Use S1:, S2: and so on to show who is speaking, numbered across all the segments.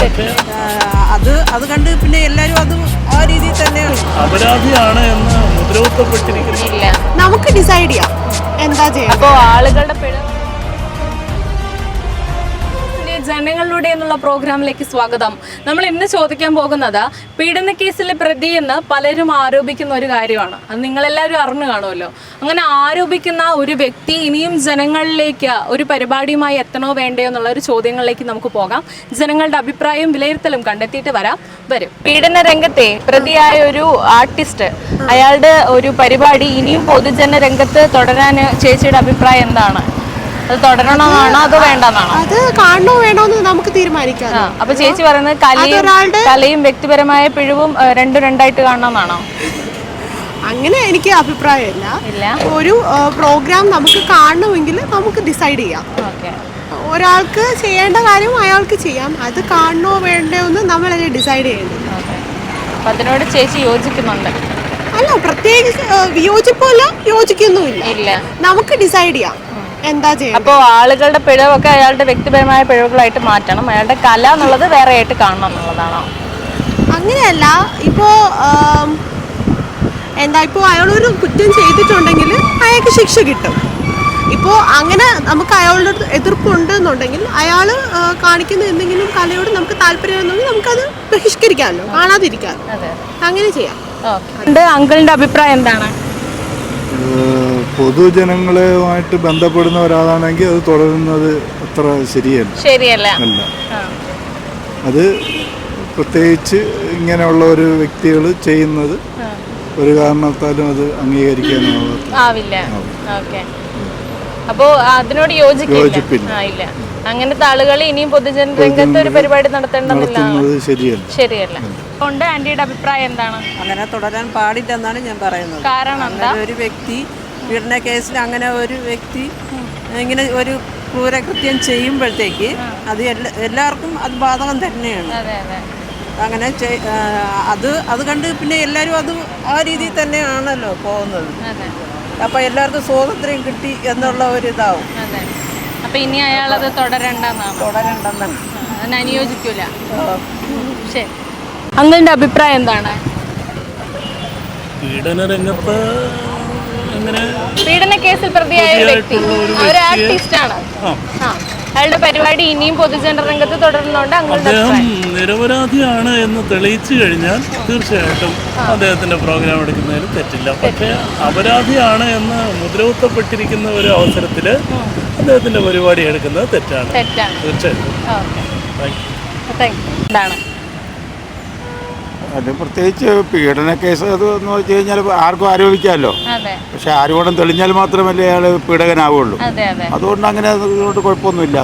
S1: അത് കണ്ട് പിന്നെ എല്ലാവരും അത് ആ രീതിയിൽ തന്നെയാണ്
S2: അപരാധിയാണ് എന്ന് മുദ്രകുത്തപ്പെട്ടിരിക്കുന്നില്ല.
S3: നമുക്ക് ഡിസൈഡ് ചെയ്യാം എന്താ ചെയ്യുക.
S4: അപ്പോൾ ആളുകളുടെ ജനങ്ങളിലൂടെ എന്നുള്ള പ്രോഗ്രാമിലേക്ക് സ്വാഗതം. നമ്മൾ ഇന്ന് ചോദിക്കാൻ പോകുന്നത് പീഡന കേസിലെ പ്രതി എന്ന് പലരും ആരോപിക്കുന്ന ഒരു കാര്യമാണ്. അത് നിങ്ങളെല്ലാവരും അറിഞ്ഞു കാണുമല്ലോ. അങ്ങനെ ആരോപിക്കുന്ന ഒരു വ്യക്തി ഇനിയും ജനങ്ങളിലേക്ക് ഒരു പരിപാടിയുമായി എത്തണോ വേണ്ടയോ എന്നുള്ള ഒരു ചോദ്യങ്ങളിലേക്ക് നമുക്ക് പോകാം. ജനങ്ങളുടെ അഭിപ്രായവും വിലയിരുത്തലും കണ്ടെത്തിയിട്ട് വരും. പീഡന രംഗത്തെ പ്രതിയായ ഒരു ആർട്ടിസ്റ്റ്, അയാളുടെ ഒരു പരിപാടി ഇനിയും പൊതുജന രംഗത്ത് തുടരാൻ ചേച്ചിയുടെ അഭിപ്രായം എന്താണ്? അത് തുടരണമെന്നാണോ അതോ വേണ്ടെന്നാണോ?
S3: അത് കാണണോ വേണോന്ന് നമുക്ക് തീരുമാനിക്കാം.
S4: അപ്പൊ ചേച്ചി പറയുന്നത് കലയും വ്യക്തിപരമായ പിഴവും രണ്ടായിട്ട് കാണണമെന്നാണോ?
S3: അങ്ങനെ എനിക്ക് അഭിപ്രായമില്ല. ഒരു പ്രോഗ്രാം നമുക്ക് കാണണമെങ്കിൽ നമുക്ക് ഡിസൈഡ് ചെയ്യാം. ഒരാൾക്ക് ചെയ്യേണ്ട കാര്യം അയാൾക്ക് ചെയ്യാം. അത് കാണണോ വേണ്ടോ എന്ന് നമ്മളല്ലേ ഡിസൈഡ് ചെയ്യേണ്ടത്.
S4: അപ്പൊ അതിനോട് ചേച്ചി യോജിക്കുന്നുണ്ട്?
S3: അല്ല, പ്രത്യേകിച്ച് വിയോജിപ്പല്ല, യോജിക്കൊന്നുമില്ല. നമുക്ക് ഡിസൈഡ് ചെയ്യാം എന്താ ചെയ്യുക.
S4: അപ്പോൾ ആളുകളുടെ പിഴവൊക്കെ അയാളുടെ വ്യക്തിപരമായ പിഴവുകളായിട്ട് മാറ്റണം, അയാളുടെ കല എന്നുള്ളത് വേറെ ആയിട്ട് കാണണം എന്നുള്ളതാണോ?
S3: അങ്ങനെയല്ല. ഇപ്പോൾ ഇപ്പോൾ അയാളൊരു കുറ്റം ചെയ്തിട്ടുണ്ടെങ്കിൽ അയാൾക്ക് ശിക്ഷ കിട്ടും. ഇപ്പോൾ അങ്ങനെ നമുക്ക് അയാളുടെ എതിർപ്പുണ്ടെന്നുണ്ടെങ്കിൽ അയാൾ കാണിക്കുന്ന എന്തെങ്കിലും കലയോട് നമുക്ക് താല്പര്യമുണ്ടെങ്കിൽ നമുക്കത് ബഹിഷ്കരിക്കാമല്ലോ, കാണാതിരിക്കാമല്ലോ. അങ്ങനെ ചെയ്യാം.
S4: അങ്കിളിന്റെ അഭിപ്രായം എന്താണ്?
S5: പൊതുജനങ്ങളുമായിട്ട് ബന്ധപ്പെടുന്ന ഒരാളാണെങ്കിൽ അത് തുടരുന്നത് അത്ര ശരിയല്ല. അത് പ്രത്യേകിച്ച് ഇങ്ങനെയുള്ള ഒരു വ്യക്തികൾ ചെയ്യുന്നത് ഒരു കാരണത്താലും അത്
S4: അംഗീകരിക്കാനാവില്ല. അപ്പോ അതിനോട് യോജിപ്പില്ല. അങ്ങനത്തെ ആളുകൾ ഇനിയും പൊതുജന രംഗത്ത് ഒരു പരിപാടി നടത്തേണ്ടത് ശരിയല്ല. കൊണ്ട് ആന്റിയുടെ അഭിപ്രായം എന്താണ്?
S1: അങ്ങനെ തുടരാൻ പാടില്ലെന്നാണ് ഞാൻ പറയുന്നത്.
S4: കാരണം എന്താ?
S1: ഒരു വ്യക്തി പീഡന കേസിൽ അങ്ങനെ ഒരു വ്യക്തി ഇങ്ങനെ ഒരു ക്രൂരകൃത്യം ചെയ്യുമ്പോഴത്തേക്ക് അത് എല്ലാവർക്കും അത് ബാധകം തന്നെയാണ്. അങ്ങനെ അത് കണ്ട് പിന്നെ എല്ലാവരും അത് ആ രീതിയിൽ തന്നെയാണല്ലോ പോകുന്നത്. അപ്പം എല്ലാവർക്കും സ്വാതന്ത്ര്യം കിട്ടി എന്നുള്ള ഒരു ഇതാവും.
S4: അപ്പൊ ഇനി അയാളത് തുടരണ്ടെന്നാണ് അനുയോജിക്കൂല. ശരി, അങ്കിളിന്റെ അഭിപ്രായം എന്താണ്?
S2: പീഡന രംഗത്ത്
S4: പീഡന കേസിൽ പ്രതിയായ ഒരു വ്യക്തി, ഒരു ആർട്ടിസ്റ്റ് ആണ്. അയാളുടെ പരിപാടി ഇനിയും പൊതുജന രംഗത്ത് തുടരുന്നുണ്ട്.
S2: അദ്ദേഹം നിരപരാധിയാണ് എന്ന് തെളിയിച്ചു കഴിഞ്ഞാൽ തീർച്ചയായിട്ടും അദ്ദേഹത്തിന്റെ പ്രോഗ്രാം എടുക്കുന്നതിൽ തെറ്റില്ല. പക്ഷേ അപരാധിയാണ് എന്ന് മുദ്രകുത്തപ്പെട്ടിരിക്കുന്ന ഒരു അവസരത്തിൽ അദ്ദേഹത്തിന്റെ പരിപാടി എടുക്കുന്നത് തെറ്റാണ്. തീർച്ചയായിട്ടും.
S6: അത് പ്രത്യേകിച്ച് പീഡന കേസ് അത് എന്ന് വെച്ച് കഴിഞ്ഞാൽ ആർക്കും ആരോപിക്കാമല്ലോ. പക്ഷെ ആരോപണം തെളിഞ്ഞാൽ മാത്രമല്ലേ അയാൾ പീഡകനാവുള്ളൂ. അതുകൊണ്ട് അങ്ങനെ അതുകൊണ്ട് കുഴപ്പമൊന്നുമില്ല.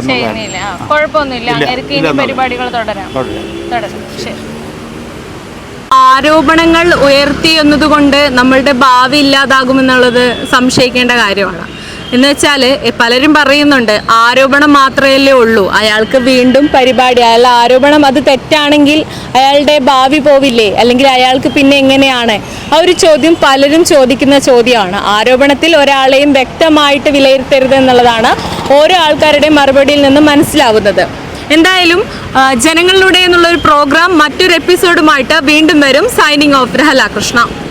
S4: ആരോപണങ്ങൾ ഉയർത്തി എന്നതുകൊണ്ട് നമ്മളുടെ ഭാവി ഇല്ലാതാകുമെന്നുള്ളത് സംശയിക്കേണ്ട കാര്യമാണ്. എന്ന് വെച്ചാൽ പലരും പറയുന്നുണ്ട് ആരോപണം മാത്രമല്ലേ ഉള്ളൂ, അയാൾക്ക് വീണ്ടും പരിപാടി, അയാളുടെ ആരോപണം അത് തെറ്റാണെങ്കിൽ അയാളുടെ ഭാവി പോവില്ലേ, അല്ലെങ്കിൽ അയാൾക്ക് പിന്നെ എങ്ങനെയാണ്? ആ ഒരു ചോദ്യം പലരും ചോദിക്കുന്ന ചോദ്യമാണ്. ആരോപണത്തിൽ ഒരാളെയും വ്യക്തമായിട്ട് വിലയിരുത്തരുത് എന്നുള്ളതാണ് ഓരോ ആൾക്കാരുടെയും മറുപടിയിൽ നിന്ന് മനസ്സിലാവുന്നത്. എന്തായാലും ജനങ്ങളിലൂടെ എന്നുള്ളൊരു പ്രോഗ്രാം മറ്റൊരു എപ്പിസോഡുമായിട്ട് വീണ്ടും വരും. Signing off Rahala Krishna.